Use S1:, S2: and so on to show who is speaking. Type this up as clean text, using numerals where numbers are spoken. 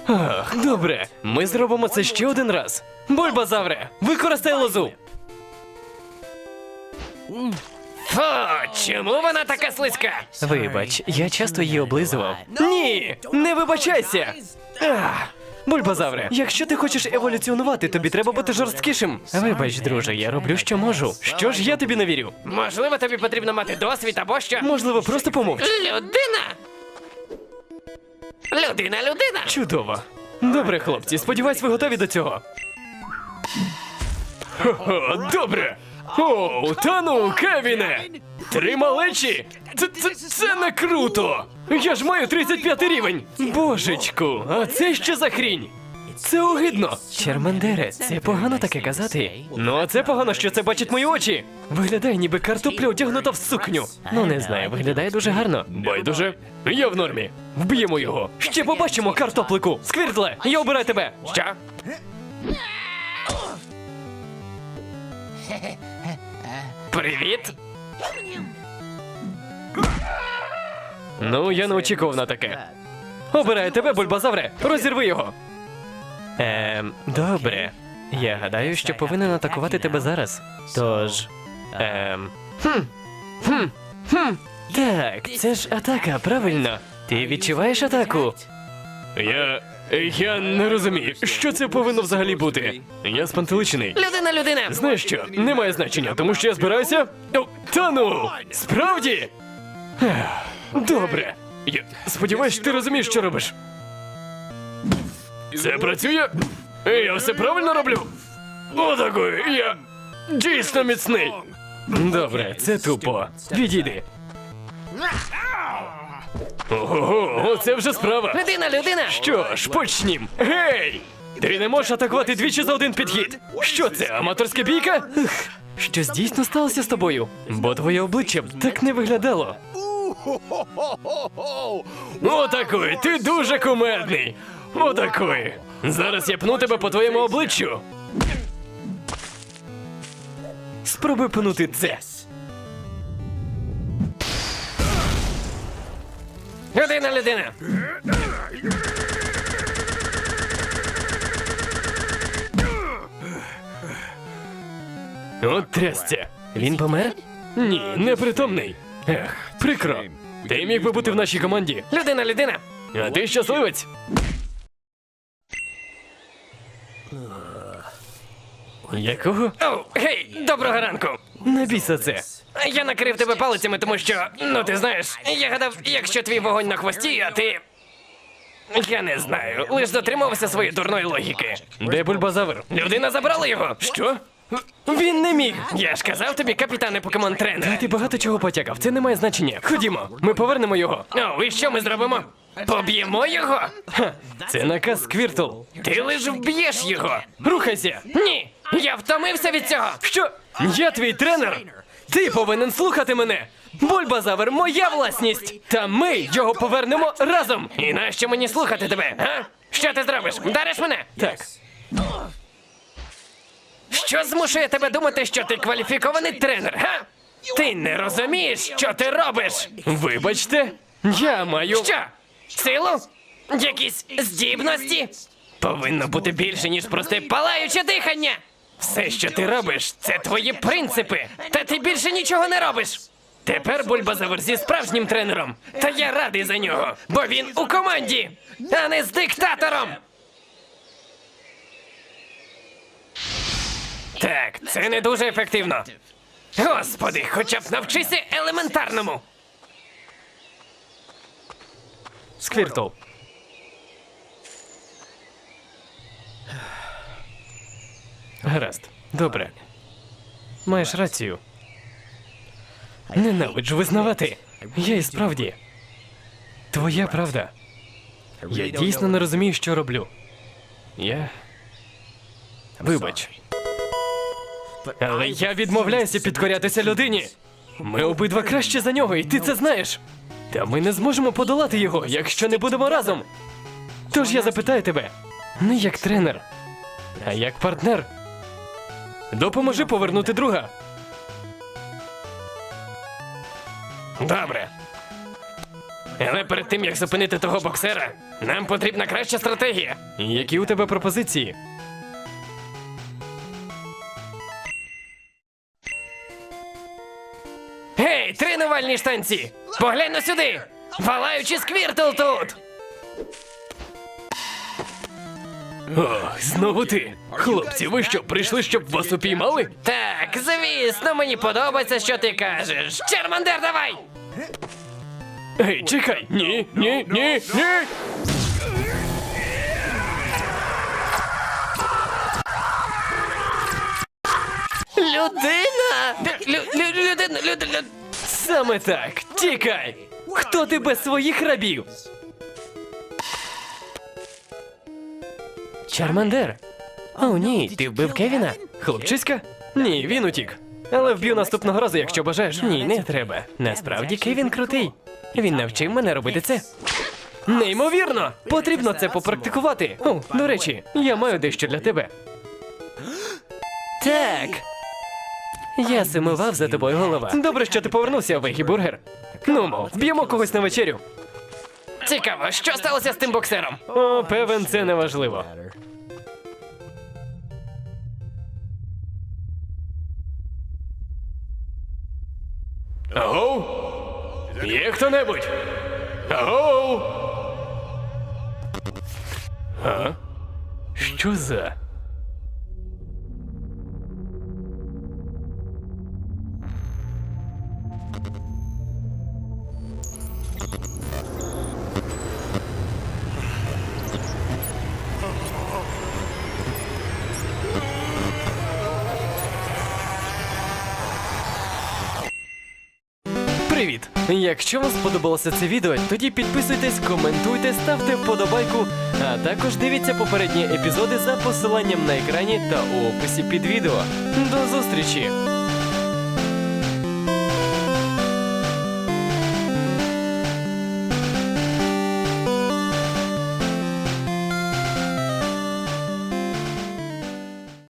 S1: Ах, добре. Ми зробимо це ще один раз. Бульбазавре, використай лозу.
S2: Фу, чому вона така слизька?
S1: Вибач, я часто її облизував. Ні, не вибачайся. Ах. Бульбазавре, якщо ти хочеш еволюціонувати, тобі треба бути жорсткішим. Вибач, друже, я роблю, що можу. Що ж я тобі не вірю?
S2: Можливо, тобі потрібно мати досвід або що?
S1: Можливо, просто помовч.
S2: Людина!
S1: Чудово. Добре, хлопці, сподіваюсь, ви готові до цього. Хо-хо, добре. Оу, та ну, Кевіне! 3 малечі? Це не круто! Я ж маю 35 рівень! Божечку, а це що за хрінь? Це огидно! Чермандере, це погано таке казати. Ну, а це погано, що це бачать мої очі. Виглядає, ніби картопля одягнута в сукню. Ну, не знаю, виглядає дуже гарно. Байдуже, я в нормі. Вб'ємо його. Ще побачимо, картоплику. Сквіртле, я обираю тебе.
S2: Що? Привіт!
S1: Ну, я не очікував на таке. Обираю тебе, Бульбазавре. Розірви його. Добре. Я гадаю, що повинен атакувати тебе зараз. Тож. Так, це ж атака, правильно. Ти відчуваєш атаку? Я не розумію, що це повинно взагалі бути. Я спантеличений.
S2: Людина!
S1: Знаєш що? Немає значення, тому що я збираюся. О, та ну! Справді? Ех, добре. Я сподіваюсь, ти розумієш, що робиш. Це працює? Я все правильно роблю? Отакою, я дійсно міцний. Добре, це тупо. Відійди. Ого, оце вже справа.
S2: Людина!
S1: Що ж, почнім. Гей! Ти не можеш атакувати двічі за один підхід. Що це, аматорська бійка? Щось дійсно сталося з тобою? Бо твоє обличчя б так не виглядало. Отакої, ти дуже кумедний. Отакої. Зараз я пну тебе по твоєму обличчю. Спробуй пнути це.
S2: Людина!
S1: От трясця. Він помер? Ні, непритомний. Ех, прикро. Ти міг би бути в нашій команді.
S2: Людина!
S1: А ти щасливець? Якого?
S2: Оу, гей, доброго ранку!
S1: Не бійся це.
S2: Я накрив тебе палицями, тому що, ну ти знаєш, я гадав, якщо твій вогонь на хвості, а ти. Я не знаю, лиш дотримувався своєї дурної логіки.
S1: Де Бульбазавр?
S2: Людина забрала його.
S1: Що? Він не міг.
S2: Я ж казав тобі, капітане покемон-тренер.
S1: Ти багато чого потякав, це не має значення. Ходімо, ми повернемо його.
S2: О, і що ми зробимо? Поб'ємо його?
S1: Ха, це наказ Сквіртл.
S2: Ти лиш вб'єш його.
S1: Рухайся.
S2: Ні, я втомився від цього.
S1: Що? Я твій тренер? Ти повинен слухати мене. Бульбазавр – моя власність. Та ми його повернемо разом.
S2: І нащо мені слухати тебе, а? Що ти зробиш? Вдариш мене?
S1: Так.
S2: Що змушує тебе думати, що ти кваліфікований тренер, га? Ти не розумієш, що ти робиш?
S1: Вибачте, я маю...
S2: Що? Силу? Якісь здібності? Повинно бути більше, ніж просте палаюче дихання. Все, що ти робиш, це твої принципи. Та ти більше нічого не робиш. Тепер Бульбазавр зі справжнім тренером. Та я радий за нього, бо він у команді, а не з диктатором. Так, це не дуже ефективно. Господи, хоча б навчися елементарному.
S1: Сквіртл. Гаразд, добре. Маєш рацію. Ненавиджу визнавати. Я і справді. Твоя правда. Я дійсно не розумію, що роблю. Вибач. Але я відмовляюся підкорятися людині. Ми обидва краще за нього, і ти це знаєш. Та ми не зможемо подолати його, якщо не будемо разом. Тож я запитаю тебе, не як тренер, а як партнер. Допоможи повернути друга.
S2: Добре. Але перед тим, як зупинити того боксера, Нам потрібна краща стратегія.
S1: Які у тебе пропозиції?
S2: Гей, тренувальні штанці! Поглянь на сюди! Валаючий сквіртл тут!
S1: Ох, знову ти. Хлопці, ви що, прийшли, щоб вас упіймали?
S2: Так, звісно, мені подобається, що ти кажеш. Чармандер, давай!
S1: Гей, чекай! Ні, ні, ні, ні!
S2: Людина! Людина!
S1: Саме так! Тікай! Хто ти без своїх рабів? Чармандер! О, ні, ти вбив Кевіна? Хлопчиська? Ні, він утік. Але вб'ю наступного разу, якщо бажаєш. Ні, не треба. Насправді Кевін крутий. Він навчив мене робити це. Неймовірно! Потрібно це попрактикувати. О, до речі, я маю дещо для тебе. Так. Я сумував за тобою, голова. Добре, що ти повернувся, Вегі Бургер. Ну, вб'ємо когось на вечерю.
S2: Цікаво, що сталося з тим боксером?
S1: О, певен, це не важливо. Агоу? Є хто-небудь? Агоу? А? Що за? Привіт! Якщо вам сподобалося це відео, тоді підписуйтесь, коментуйте, ставте вподобайку, а також дивіться попередні епізоди за посиланням на екрані та у описі під відео. До зустрічі!